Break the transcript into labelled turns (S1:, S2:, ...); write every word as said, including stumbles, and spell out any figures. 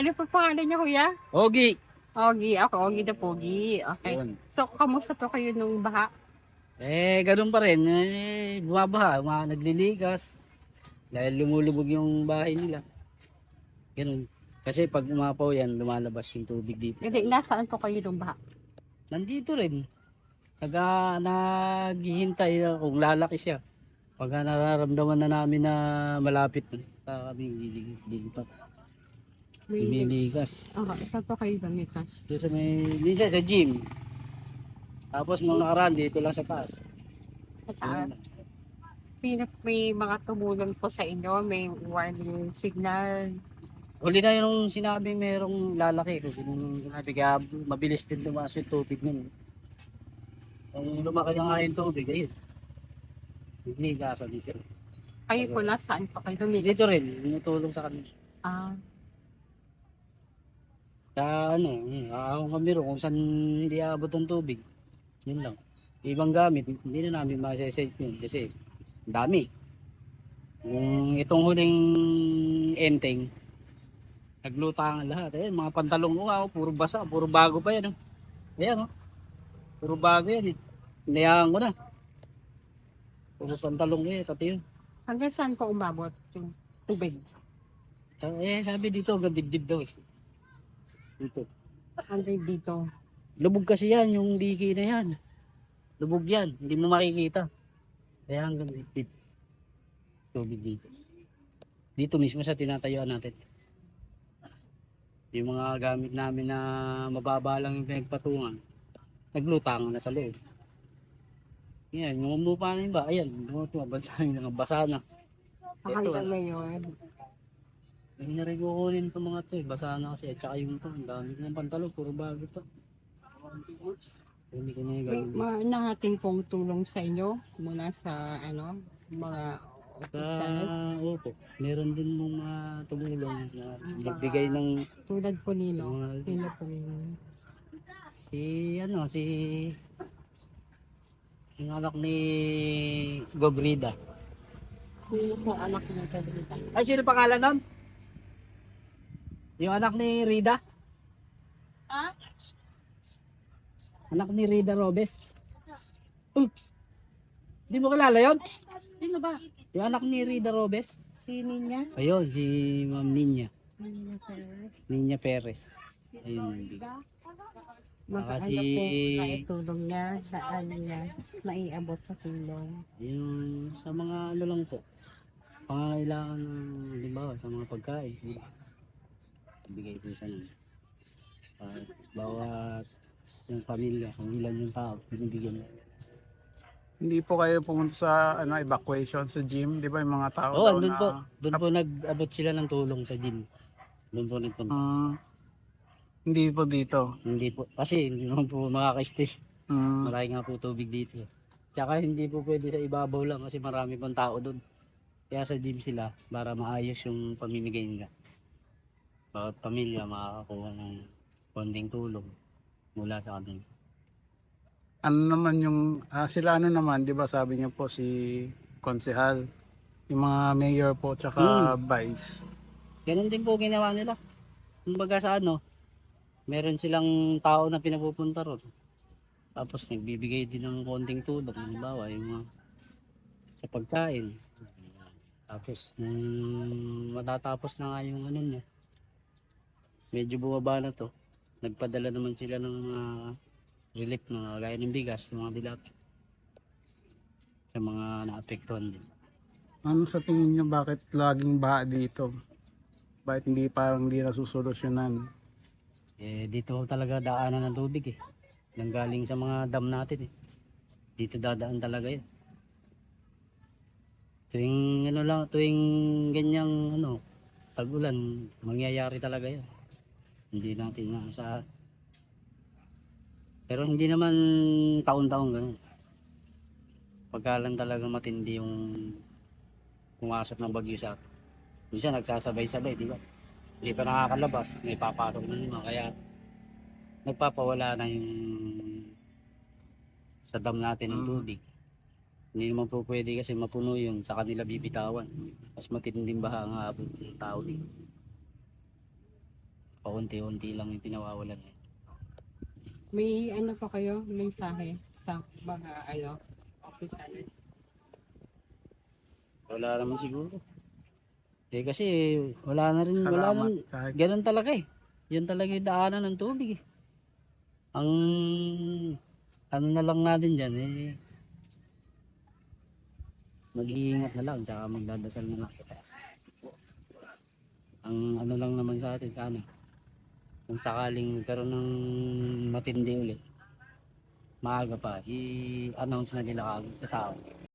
S1: Ano po pangalan niyo, kuya?
S2: Ogi.
S1: Ogi. Ako, Ogi the Pogi. Okay.
S2: Yun.
S1: So, kamusta to kayo nung baha?
S2: Eh, ganun pa rin. Eh, bumabaha, mga nagliligas. Dahil lumulubog yung bahay nila. Ganun. Kasi pag umapaw yan, lumalabas yung tubig dito.
S1: Hindi, nasaan po kayo nung baha?
S2: Nandito rin. Naga, naghihintay na kung lalaki siya. Pagka nararamdaman na namin na malapit na, saka kami lilipat. Lumiligas.
S1: Okay, saan po kayo gamitas?
S2: Doon sa may, minsan sa gym. Tapos nung nakaraan, dito lang sa taas.
S1: At saan? Pinap may mga tumulong po sa inyo, may warning signal.
S2: Huli na yung sinabing merong lalaki. Kasi nung sinabi kaya mabilis din lumakas yung tubig nun. Kung lumaki na nga yung tubig, ayun. Nagligasan din sila.
S1: Kayo po, nasaan po kayo gamitas?
S2: Dito rin, tinutulong sa kanila.
S1: Ah,
S2: Sa ano, hmm, aahon kami rin kung saan hindi aabot ang tubig. Yun lang. Ibang gamit, hindi na namin masasave yun kasi ang dami. Yung itong huling enteng, naglutangan lahat. Ayan, mga pantalong ko nga, oh, puro basa, puro bago pa yan. Oh. Ayan, oh. Puro bago yan. Eh. Inayahan ko na. Puro pantalong ko eh, pati yun.
S1: hanggang saan po umabot yung tubig?
S2: Eh, sabi dito, hanggang dibdib daw eh. Dito.
S1: Hanggang dito.
S2: Lubog kasi yan, yung liki na yan. Lubog yan, hindi mo makikita. Kaya hanggang dibdib. Tubig dito. Dito mismo sa tinatayuan natin. Yung mga gamit namin na mababa lang yung pinagpatungan, naglutangan na sa loob. Yan, yung umupa na yun ba? Ayan, bumabasa yung basa na.
S1: Hanggang ngayon.
S2: Hindi na rin kukunin itong mga to eh. Basa na kasi. At saka yung to, ang dami ko ng pantalon, puro bago to. Hindi ko na yung
S1: May
S2: gagawin.
S1: mga nahating pong tulong sa inyo mula sa ano, mga
S2: Sa
S1: officials.
S2: opo, meron din mga tumulong na nagbigay ng
S1: Tulad po nino.
S2: Mga-
S1: Sino po yun?
S2: si ano, si yung anak ni Gobrida.
S1: Sino po anak niyo Pedrita?
S2: Ay, sino pangalan nun? Yung anak ni Rida?
S1: Ah?
S2: Anak ni Rida Robes? Uh, Hindi mo kilala yon?
S1: Sino ba?
S2: Yung anak ni Rida Robes?
S1: Si Ninya?
S2: Ayun, si Ma'am Ninya.
S1: Ninya Perez.
S2: Ninya Perez. Ayun.
S1: Mga
S2: Kasi-
S1: ano po maitulong niya, saan niya maiabot sa tulong.
S2: Yung sa mga ano lang po. Pangangailangan ng halimbawa sa mga pagkain. di ba? Bigay po siya nun. Uh, bawat yung pamilya, kung ilan yung tao, binibigyan niya.
S3: Hindi po kayo pumunta sa ano evacuation sa gym, 'di ba yung mga tao
S2: Oo,
S3: daw
S2: doon
S3: na
S2: po. Doon po nag-abot sila ng tulong sa gym. Doon po nagpunta.
S3: Mm, hindi po dito.
S2: Hindi po. Kasi hindi naman po makaka-stay.
S3: Mm,
S2: Marami nga po tubig dito. Tsaka hindi po pwede sa ibabaw lang kasi marami pang tao doon. Kaya sa gym sila para maayos yung pamimigay nila. Bawat pamilya makakakuha ng konting tulong mula sa kanila.
S3: ano naman yung ah, sila ano naman, 'di ba sabi niyo po si konsehal, yung mga mayor po tsaka vice.
S2: Ganun din po ginawa nila. Kumbaga sa ano, meron silang tao na pinapupunta ron. Tapos nagbibigay din ng konting tulong. Halimbawa, yung mga sa pagkain. Tapos, nung matatapos na nga yung ano niya, medyo bumaba na to. Nagpadala naman sila ng mga relief na gaya ng bigas, mga dilat. Sa mga naapektuhan din.
S3: Ano sa tingin niyo bakit laging baha dito? Bakit hindi parang hindi nasusolusyonan?
S2: Eh, dito talaga daanan ng tubig eh. Nanggaling sa mga dam natin eh. Dito dadaan talaga yun. Tuwing ano lang, tuwing ganyang ano, tag-ulan, mangyayari talaga yan. Hindi natin naasahan. Pero hindi naman taon-taon ganun. Pagka lang talaga matindi yung pumasok ng bagyo sa atin. Minsan nagsasabay-sabay, di ba? Hindi pa nakakalabas, may papasok na naman. Kaya nagpapawala na yung sa dam natin ng
S3: Mm.
S2: tubig. Hindi naman po pwede kasi mapuno yun sa kanila bibitawan. Mas matinding baha nga abot ng tao din. paunti-unti lang yung pinawawalan.
S1: May ano pa kayo, mensahe sa mga ano, official?
S2: Wala naman siguro. Eh kasi wala na rin, wala
S3: Salamat.
S2: nang,
S3: Kahit
S2: ganun talaga eh. Yan talaga yung daanan ng tubig eh. Ang ano na lang natin dyan eh, mag-iingat na lang, tsaka magdadasal na lang. Ang ano lang naman sa atin, sana, kung sakaling magkaroon ng matindi ulit, maaga pa, i-announce na nila kagad sa tao.